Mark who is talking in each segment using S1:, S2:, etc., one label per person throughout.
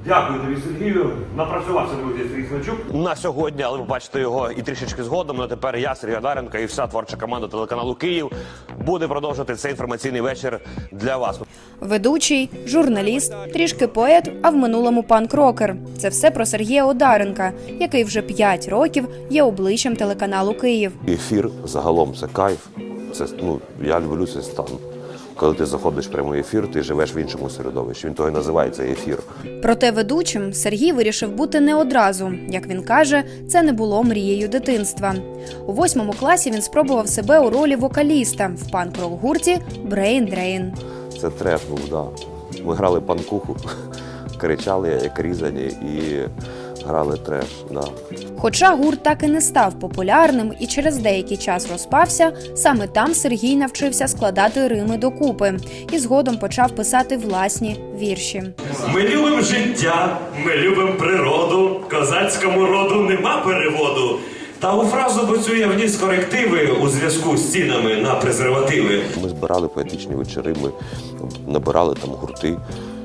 S1: Дякую тобі, Сергію. Напрацювався, друзі, Сергій Смельчук. На сьогодні, але ви бачите його і трішечки згодом. Але тепер я, Сергій Одаренко, і вся творча команда телеканалу «Київ» буде продовжувати цей інформаційний вечір для вас.
S2: Ведучий, журналіст, трішки поет, а в минулому панк-рокер. Це все про Сергія Одаренка, який вже 5 років є обличчям телеканалу «Київ».
S3: Ефір загалом це кайф. Це, я люблю цей стан. Коли ти заходиш в прямий ефір, ти живеш в іншому середовищі. Він того і називається ефір.
S2: Проте ведучим Сергій вирішив бути не одразу. Як він каже, це не було мрією дитинства. У 8 класі він спробував себе у ролі вокаліста в панк-рок-гурті Brain Drain.
S3: Це треш був, да. Ми грали панкуху, кричали, як різані, і грали треш, да.
S2: Хоча гурт так і не став популярним і через деякий час розпався, саме там Сергій навчився складати рими докупи і згодом почав писати власні вірші.
S4: Ми любимо життя, ми любимо природу, козацькому роду нема переводу. Та у фразу бо я вніс корективи у зв'язку з цінами на презервативи.
S3: Ми збирали поетичні вечори, ми набирали там гурти.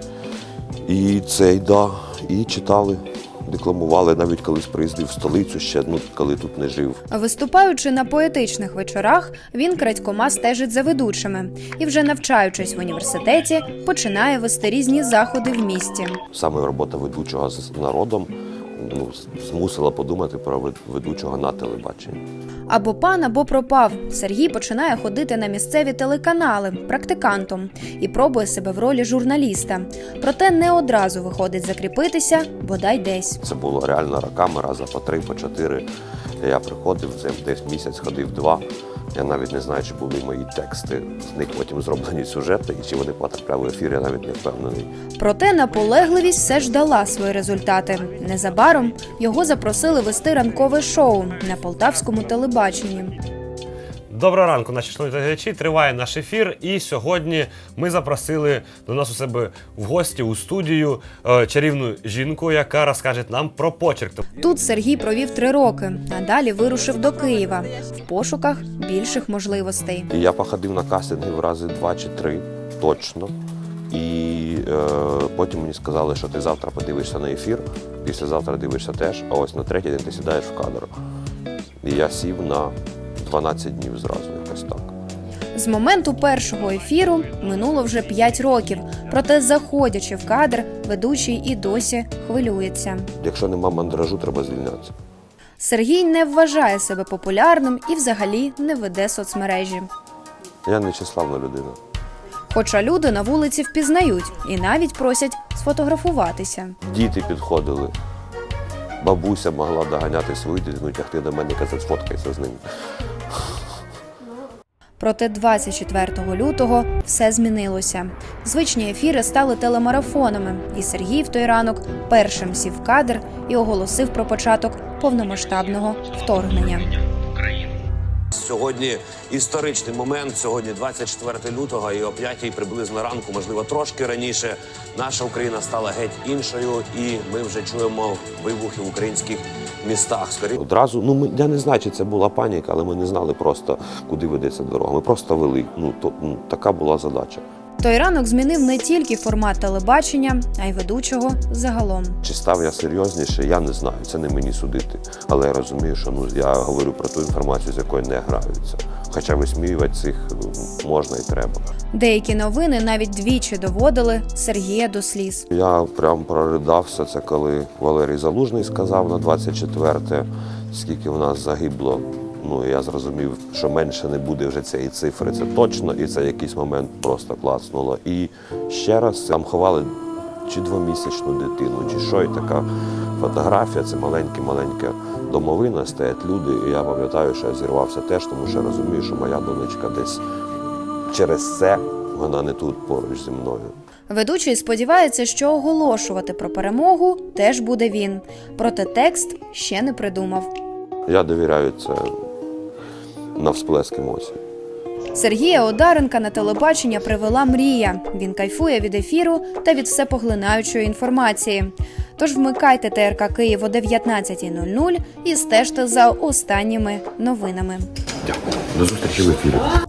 S3: І і читали. Декламували, навіть колись приїздив в столицю ще, коли тут не жив.
S2: Виступаючи на поетичних вечорах, він крадькома стежить за ведучими. І вже навчаючись в університеті, починає вести різні заходи в місті.
S3: Саме робота ведучого з народом змусила подумати про ведучого на телебаченні.
S2: Або пан, або пропав. Сергій починає ходити на місцеві телеканали практикантом і пробує себе в ролі журналіста. Проте не одразу виходить закріпитися, бодай десь.
S3: Це було реально роками, раза по 3, по 4. Я приходив, десь місяць ходив 2. Я навіть не знаю, чи були мої тексти. З них потім зроблені сюжети, і чи вони потрапляли в ефір, я навіть не впевнений.
S2: Проте наполегливість все ж дала свої результати. Незабаром його запросили вести ранкове шоу на полтавському телебаченні.
S1: Доброго ранку, наші шановні глядачі. Триває наш ефір. І сьогодні ми запросили до нас у себе в гості у студію чарівну жінку, яка розкаже нам про почерк.
S2: Тут Сергій провів 3 роки, а далі вирушив до Києва в пошуках більших можливостей.
S3: І я походив на кастинги в рази 2 чи 3, точно. І потім мені сказали, що ти завтра подивишся на ефір, післязавтра дивишся теж, а ось на 3-й день ти сідаєш в кадр. І я сів на 12 днів зразу, якось так.
S2: З моменту першого ефіру минуло вже 5 років, проте заходячи в кадр, ведучий і досі хвилюється.
S3: Якщо нема мандражу, треба звільнятися.
S2: Сергій не вважає себе популярним і взагалі не веде соцмережі.
S3: Я не числавна людина.
S2: Хоча люди на вулиці впізнають і навіть просять сфотографуватися.
S3: Діти підходили. Бабуся могла доганяти свою дитину, тягти до мене і казати, сфоткайся з ним.
S2: Проте 24 лютого все змінилося. Звичні ефіри стали телемарафонами, і Сергій в той ранок першим сів в кадр і оголосив про початок повномасштабного вторгнення.
S5: Сьогодні історичний момент, сьогодні 24 лютого і о 5-й приблизно ранку, можливо, трошки раніше, наша Україна стала геть іншою і ми вже чуємо вибухи в українських містах.
S3: Одразу, я не знаю, чи це була паніка, але ми не знали просто, куди ведеться дорога. Ми просто вели, така була задача.
S2: Той ранок змінив не тільки формат телебачення, а й ведучого загалом.
S3: Чи став я серйозніше, я не знаю, це не мені судити. Але я розумію, що я говорю про ту інформацію, з якою не граються. Хоча висміювати цих можна і треба.
S2: Деякі новини навіть двічі доводили Сергія до сліз.
S3: Я прям проридався, це коли Валерій Залужний сказав на 24-те, скільки в нас загибло. Я зрозумів, що менше не буде вже цієї цифри, це точно, і це якийсь момент просто клацнуло. І ще раз там ховали чи 2-місячну дитину, чи що, і така фотографія, це маленька домовина, стоять люди, і я пам'ятаю, що я зірвався теж, тому що розумію, що моя донечка десь через це, вона не тут поруч зі мною.
S2: Ведучий сподівається, що оголошувати про перемогу теж буде він, проте текст ще не придумав.
S3: Я довіряю це на всплеск емоцій.
S2: Сергія Одаренка на телебачення привела мрія. Він кайфує від ефіру та від всепоглинаючої інформації. Тож вмикайте ТРК Київ о 19:00 і стежте за останніми новинами.
S3: Дякую. До зустрічі в ефірі.